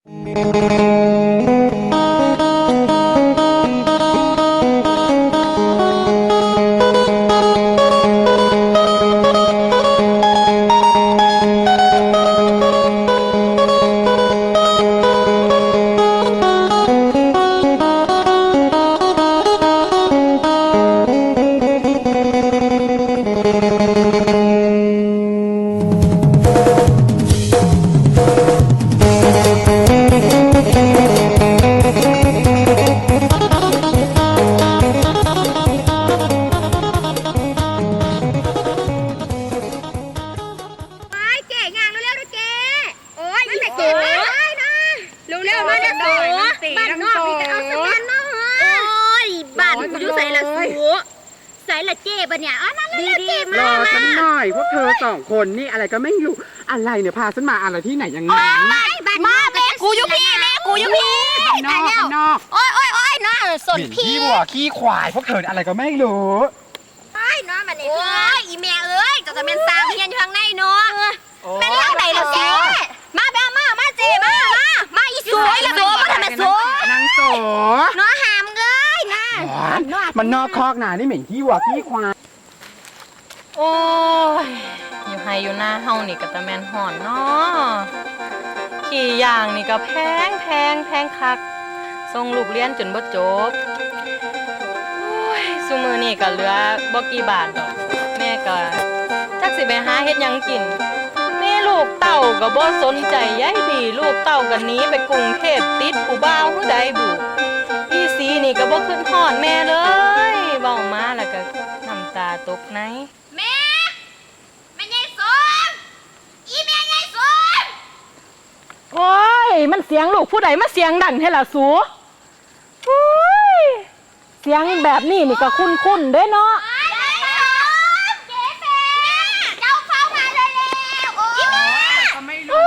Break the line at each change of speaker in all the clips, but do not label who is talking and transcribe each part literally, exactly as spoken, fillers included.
รอฉันหน่อยพวกเธอสองคนนี่อะไรก็ไม่รู้อะไรเนี่ยพาฉันมาอะไรที่ไหนยังไง
มาแม่กูอยู่พี่แม่กูอยู่พี่
นอกนอก
โอ้ยโอ้ยโอ้ยน้าสนพี่
ขี้วัวขี้ควายพวกเธออะไรก็ไม่รู้
ไอ้น้ามันนี่โอ้ยอีแม่เอ้ยก็จะเป็นสามเพียนอยู่ข้างในเนาะเป็นทางไหนล่ะเจ๊มาแม่มามาเจ๊มามามาอีสวยละโซ่มาทำไมโซ่
นางโซ่
น้าหามเอ้ยน้า
มันนอกคอกหนานี่เหม็นขี้วัวขี้ควาย
โอ้ยอยู่ไฮอยู่หน้าเฮานี่ก็ตะแมนห่อนเนาะขี่อย่างนี่ก็แพงแพงแพงคักส่งลูกเรียนจนบ่จบโอ้ยซุมื้อนี่ก็เหลือบ่กี่บาทดอกแม่ก็จักสิไปหาเฮ็ดหยังกินแม่ลูกเต้าก็บ่สนใจใยดีลูกเต้าก็หนีไปกรุงเทพติดผู้บ่าวผู้ใดบุอีสีนี่ก็บ่ขึ้นฮอดแม่เลยเว้ามาแล้วก็น้ำตาตกใน
แม่แม่ใหญ่สมอีแม่ใหญ่สม
โอ้ยมันเสียงลูกผู้ใดมาเสียงดังให้ล่ะสูโอ้ยเสียงแบบนี้นี่ก็คุ้นๆเด้เนาะ
เจ้าเข้ามาเลยแล้วอีแม่
ไม่รู้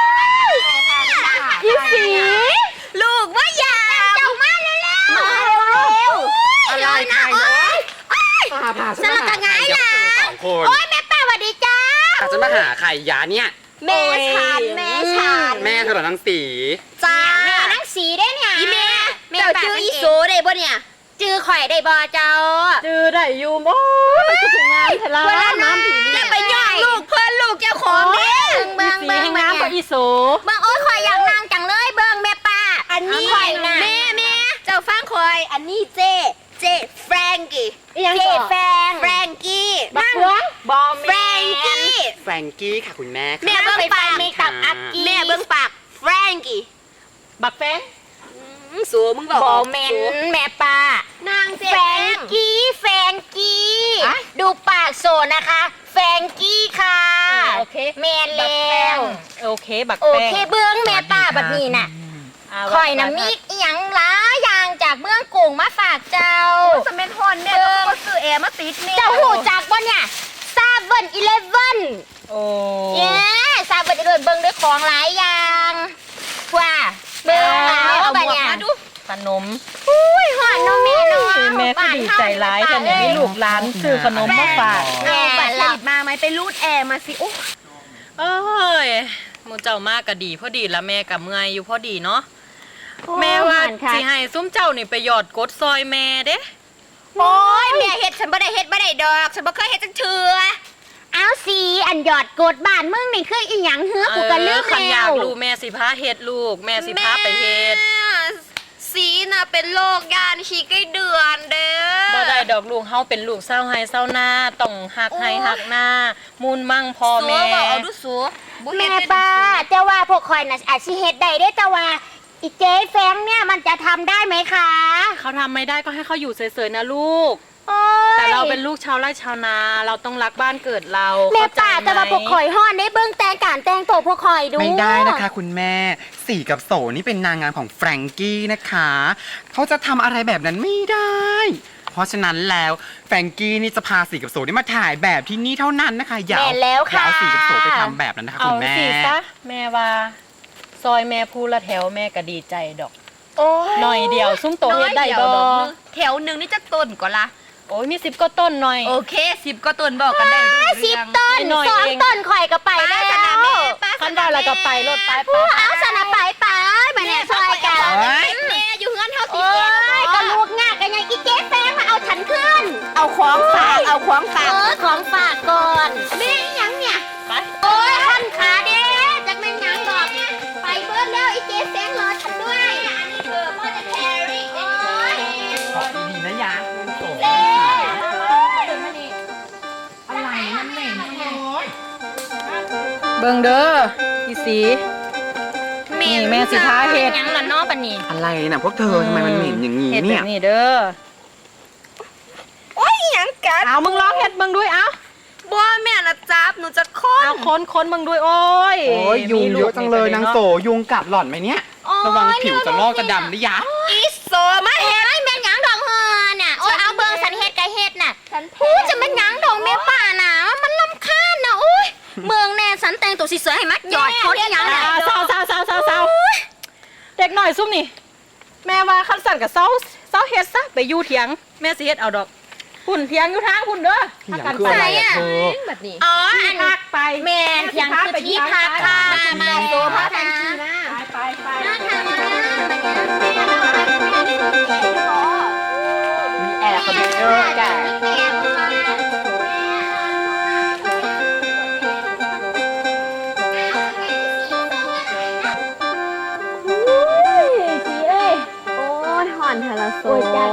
อีสี
ลูกว่าอย่าเจ้ามาเลยแล้วมาเร็ว
อะไรใครพาพาฉันมาหาใครยกเธอสองคน
โอ้ยแม่ป้าสวัสดีจ้า
แต่จะมาหาใครยาเนี่ย
แม่ฉันแม่ฉัน
แม่เธอหรอนางสี
จ้าแม่นางสีได้เนี่ยอีแม่เจ้าจื้ออีโซได้บ่เนี่ยจื้อข่อยได้บ่เจ้า
จื้อได้อยู่บ่ไปถึงงานเถอะล่ะน้ำผี
แล้วไปย่องลูกเพื่อนลูกเจ้าของเนี่ย
เบิ่งเบิ่งน้ำบ่อีโซ
เบิ่งโอ้ยข่อยอยากนั่งจังเลยเบิ่งแม่ป้าอันนี้แม่แม่เจ้าฟังข่อยอันนี้เจเจแฟรงกี้เจแฟรงแฟรงกี้
นั่งบอม
แฟรงกี้
แฟรงกี้ค่ะคุณแม่
แม่เบิ้งปากแม่กับอักกี้แม่เบิ้งปากแฟรงกี้
บักแฟง
สูมึงบอกบอแมนแม่ป้านางแฟรงกี้แฟรงกี้ดูปากโซนะคะแฟรงกี้ค่ะ
โอเค
แมนแล้ว
โอเคบักแฟง
โอเคเบิ้งแม่ป้าบัดนี้น่ะคอยน้ำมีอีหยังล้ายางจากเมืองกุ้งมาฝากเจ้า
สมัยทอนเนี่ยต้องมาซื้อแอร์มาติดเนี่ย
เจ้าหูจากบ่เนี่ยซาเว่นอีเลฟเว่น
โอ้
เย้ซาเว่นอีเลฟเว่นเบิ้งด้วยของหลายอย่างว่าเบิ้งเอาแบบเนี้ย
ขนม
อุ้ยหอมน้องแม่น้อง
แม่ก็ดีใจร้ายแต่เนี่ยมีลูกหลานซื้อขนมมาฝาก
เอาบัตรผลิตมาไหมไปรูดแอร์มาสิโอ้
เอ้ยมูเจ้ามากก็ดีพอดีละแม่กับเมื่อยอยู่พอดีเนาะแม่ว่าสิให้ซุ้มเจ้านี่ไปหยอดกดซอยแม่เด้
โอ้ยแม่เฮ็ดฉันบ่ได้เฮ็ดบ่ได้ดอกฉันบ่เคยเฮ็ดจังเทื่อเอาสิอันหยอดกดบ้านมึงนี่คืออีหยังเฮือกูก็ลืมแล้ว
อยากรู้แม่สิพาเฮ็ดลูกแม่สิพาไปเฮ็ด
สีน่ะเป็นโรคยานขี้ไก่เดือนเด้อ
บ่ได้ดอกลูกเฮาเป็นลูกเศร้าไห้เศร้าหน้าต้องหักไห้หักหน้ามูลมั่งพ่อแม่
บ่เอาดูสูแม่ป้าเจ้าว่าพวกข่อยน่ะอาจสิเฮ็ดได้เด้เจ้าว่าอีเจ๊แฟงเนี่ยมันจะทำได้ไหมคะ
เขาทำไม่ได้ก็ให้เขาอยู่เฉยๆนะลูกแต่เราเป็นลูกชาวไร่ชาวนาเราต้องรักบ้านเกิดเรา
แม่ป่าแต่ว่าพวกข่อยห่อนได้เบิ้งแต่งการแต่งตัวพวกข่อยดู
ไม่ได้นะคะคุณแม่สีกับโสนี่เป็นนางงามของแฟรงกี้นะคะเขาจะทำอะไรแบบนั้นไม่ได้เพราะฉะนั้นแล้วแฟรงกี้นี่จะพาสีกับโสนี่มาถ่ายแบบที่นี่เท่านั้นนะคะอย่าเอาสีกับโสไปทำแบบนั้นนะคะคุณแม่
เอาสีซะแม่ว่าซอยแม่พูละแถวแม่ก็ดีใจดอกหน่อยเดียวซุ้มโตเฮ็ดได้บ่
แถวหนึ่งนี่จะต้นก่อนละ
โอ้ยมีสิบก็ต้นหน่อย
โอเคสิบก็ต้นบอกกันได้สิบต้นสองต้นข่อยก็ไปแล้ว
คันได้แล้วก็ไปรถไป
เอาสนะไปไปเนี่ยช่วยกัน
เฮ้ย
แม่อยู่เงินเท่าตีเจ๊ก็ลูกง่ายกันยังอีเจ๊แฟงมาเอาฉันขึ้น เอาของฝากเอาของฝากเออของฝากก่อนแม่ยังเนี่ยไปโอ้ยท่านขาเด้จากแม่ยังดอกไปเบิร์ดแล้วอีเจ๊แฟงรอฉันด้วยอันนี้เบอร์พ่อจะแครี่โอ้ย
ขอดีๆนะยะโอ้
เจ๊
อะไรนั่นเหม็นโอ้ย
เบิ่งเด้อพี่สี นี่แม่สิท้าเฮ็ด
ยังละนอกปะนี่
อะไรน่ะพวกเธอทำไมมันเหม็นอย่างนี้
เฮ็ดแบ
เนี่ย
บนี้เด้อ
โอ้ยยังกัด
เอามึงลองเฮ็ดมึงด้วยเอา
บัวแม่นะจับหนูจะค้น
เอาค้นค้นมึงด้วยโอ้ย
โอ้ยยุง
มี
เยอะจังเลยนางโสยุงกัดหล่อนไหมเนี่ย
โอ้ย
ระวังผิวจะลอกจะดำนะยะ
อีโซมาเฮ็ดไอ้แม่หยังดองเฮือน่ะโอ้ยเอาเบิ่งสันเฮ็ดกะเฮ็ดน่ะพูดจะแม่หยังดองแม่ป่าน่ะมันรำคาญน่ะโอ้ยเมืองแน่สันแต่งตัวสวยๆให้มักหยอดคนอีหยังน่ะ
อ่าเศร้าเศร้าเศร้าเศร้าเศร้าเด็กหน่อยซุ่มนี่ แม่ว่าคันสั่นกับเศร้าเศร้าเฮ็ดซะไปอยู่เถียง แม่สิเฮ็ดเอาดอกหุ่นเถียงอยู่ทางหุ่นเด้อ
เถียง
พากัน
คือ
ไป
อะไรอะเธอ
แบบนี้
อ๋ออัน
พักไป
แม่นเถียงคือที่พักค่ะมามาโซพักกันทีนะ
ไปไปไป
มาทางมา
มีแอร์คอนดิชเนอร์กัน
สีเอ้ยโอ้ยหอนเทละโซ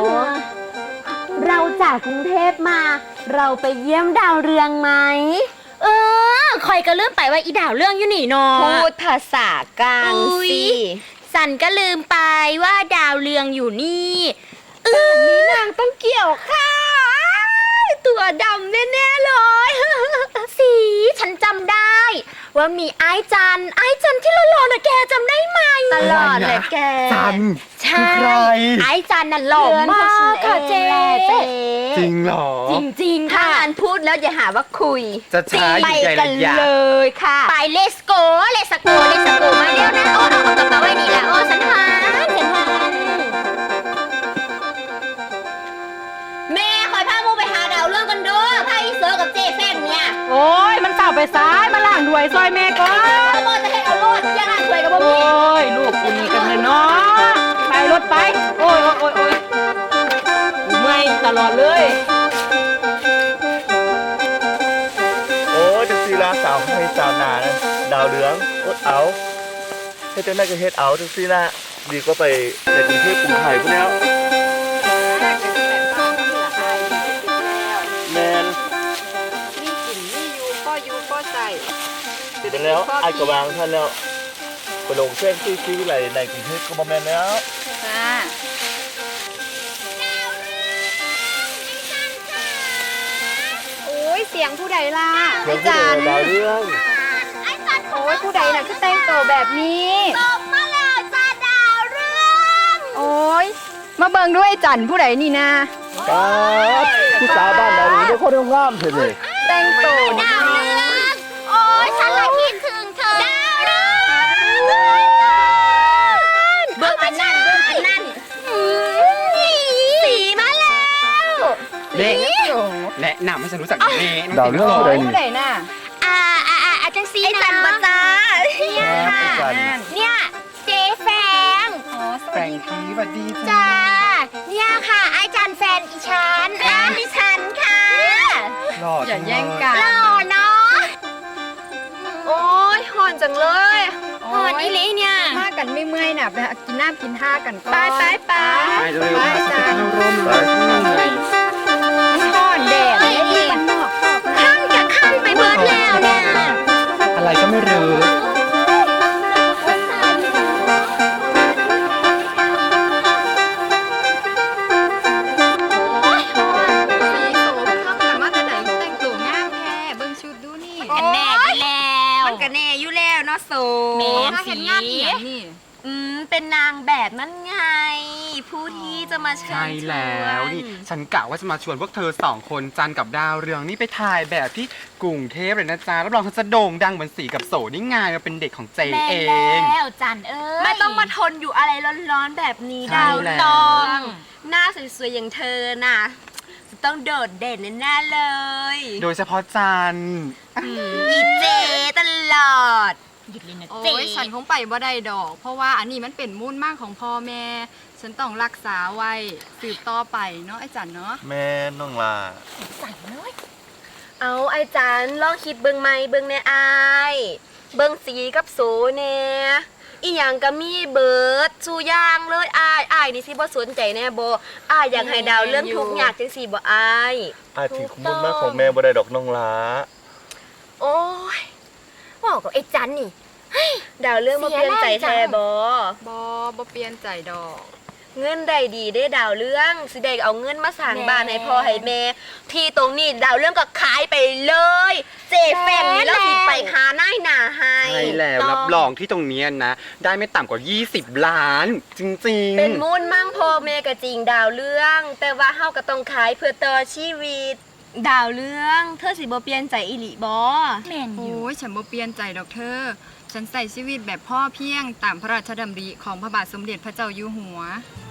เราจากกรุงเทพมา เราไปเยี่ยมดาวเรืองไหม เออคอยก็ลืมไปว่าอีดาวเรื่องอยู่นี่เนาะ
พูดภาษากลางสิ
สันก็ลืมไปว่าดาวเรืองอยู่นี่เออนี่นางต้องเกี่ยวข้าวตัวดำแน่ๆเลย สีฉันจำได้ ว่ามีไอ้จันไอ้จันที่หล่อๆน่ะแกจำได้ไหม
ตลอดเลยแก
จัน
ใช่
คือใคร
ไอ้จันน่ะหล่อมากค่ะเจ๊
จริงเหรอ
จริงๆ
ถ้า
ค่ะ
งานพูดแล้วอย่าหาว่าคุย
จะช้าอยู่ใจ
กั
ระ
น
ยะ
เลยค่ะ
ไปเลสโกเลสโกเลสโกมาเร็วนะโอ้เอากระเป๋าไว้นี่แหละโอ้ฉันหันฉันหันแม่คอยพามูไปหาดาวเรื่องกันด้วยพาอีเซอร์กับเจแฟมเนี่ย
โอ้ยมันเต่าไปซ้ายมาล่างด้วยซอยแม่ก่อน
โมจะให้เอารถยังไงถวยกับบ่
โอ้
มี
ยลูกกูนี่กันเลยเนาะไปรถไป โอ้ยโอ้ยโอ้ยโอ้ยกูเมื่อยตลอดเลย
โอ้ยจะซีลาสาวให้สาวหนานะดาวเหลืองอดเอาให้เจ้าแม่ก็เฮ็ดเอาจังซีละดีก็ไปในกรุงเทพกรุงไทยพวกแล้วแมน
มีกลิ่นมียูก็ยูก็ใส่
เสร็จแล้วไอ้กระวางท่านแล้วไปลงเส้นที่ที่วิไลในกรุงเทพก็มาแมนแล้ว
ค่ะ โอ้ยเสียงผู้ใดล่ะ
เพื่อนผู้เดียวดาวเรื่อง
ไอ้จัน
โอ้ยผู้ใดน่ะคือแต่งตัวแบบนี้
ตกมาแล้วจ้าดาวเรื่อง
โอ้ยมาเบิ่งด้วยจันผู้ใดนี่นะ
ครับผู้สาวบ้านดาวเรื่องได้คนงามเถอะเลย
แต่งตัว
ดาวเรื่องโอ้ยฉันละคิดถึงเธอดาวเรื่องเบิ่งอันนั่นเบิ่งอันนั่นสีมาแล้ว
เด็กแนะนำให้ฉันรู้จักเน่น้
ดา
อ
ว
ง
เรื่อง
โส
อะไร
ผู้
นี่
ใดน่ะ
อ่าอ่าอ่าอาจารย์ซีนะจันบจ้าเนี่ย
ครับ
ค่ะ
อาจารย์
เนี่ยเจ๊แฟง
แฟรงกี้สวัสดีจ้า
จ้าเนี่ยค่ะอาจารย์แฟนอีฉันอ่าดิฉันค่ะ
หล่อ
อย่า
จัง
แย่ง
เลย
กัน
หล่อเนาะ
โอ้ยหอนจังเลย
หอนอีหลีเนี่ย
มากันไม่เมื่อยน่ะไปหากินน้ำกินท่ากันก่อน
ไปไปไป
ไปเร็วๆมาสักเข้าร่มเลยเหนื่อย
หอนแดดเลยนี่มันนอก
ขั้นกับขั้นไปเบิร์ดแล้วเนี่ย
อะไรก็ไม่รู้
โอ้ยหอน
สีโสมเข้ากันมาแต่ไหนแต่งตัวงามแท้เบิ่งชุดดูนี่
กันแน่อยู่แล้ว
มันก็แน่อยู่แล้วเนาะโส
แม่น
ถ้าเห็นงานเหียงนี่
อืมเป็นนางแบบนั่นไง ผู้ที่จะมาเชิญ
ใช่แล้วนี่ฉันกะว่าจะมาชวนพวกเธอสองคนจันกับดาวเรืองนี่ไปถ่ายแบบที่กรุงเทพเลยนะจ๊ะรับรองฉันจะโด่งดังเหมือนสีกับโสนี่ไงมาเป็นเด็กของเจ
แม่
เอง
แล้วจันเอ้ย
ไม่ต้องมาทนอยู่อะไรร้อนๆแบบนี้
ใช่
ดาว
แล้ว
ตองหน้าสวยๆอย่างเธอน่ะ จะต้องโดดเด่นแน่ๆเลย
โดยเฉพาะจัน
อีเจตลอด
หยุดเลยนะ
โอ้
เจ๊
ยฉันคงไปบ่ได้ดอก เพราะว่าอันนี้มันเป็นมูลมากของพ่อแม่ ฉันต้องรักษาไว้สืบต่อไปเนาะไอ้จันเนาะ
แม่น้องลา
สั่งน้อย
เอาไอ้จันลองคิดเบิ่งไหมเบิ่งแน่อายเบิ่งสีกับโสแน่อีหยังก็มีเบิดสู่อย่างเลยอายอายนี่สิบ่สนใจแน่บ่อายอยากให้ดาวเรื่องทุกข์ยากจังซี่บ่อาย
อาจถึงขมุนมากของแม่บ่ได้ดอกน้องลา
โอ้ย
บอกกับไอ้จันนี่
ดาวเรื่องบ่เปลี่ยนใจแท้บ่
บ่บ่เปลี่ยนใจดอก
เงินได้ดีได้ดาวเรื่องสิได้เอาเงินมาสร้างบ้านให้พ่อให้แม่ที่ตรงนี้ดาวเรื่องก็ขายไปเลย เจแฟงนี่แล้วสิไปหาหน้าหนาให้
ใช่แล้วรับรองที่ตรงเนี้ยนะ ได้ไม่ต่ำกว่า ยี่สิบ ล้าน จริงๆ
เป็นมูลมั่งพ่อแม่ก็จริงดาวเรื่อง แต่ว่าเฮาก็ต้องขายเพื่อต่อชีวิต ดาวเรื่องเธอสิบ่เปลี่ยนใจอีหลีบ่
แม่นอยู่
โอ้ยฉันบ่เปลี่ยนใจดอกเธอ ฉันใส่ชีวิตแบบพ่อเพียงตามพระราชดำริของพระบาทสมเด็จพระเจ้าอยู่หัว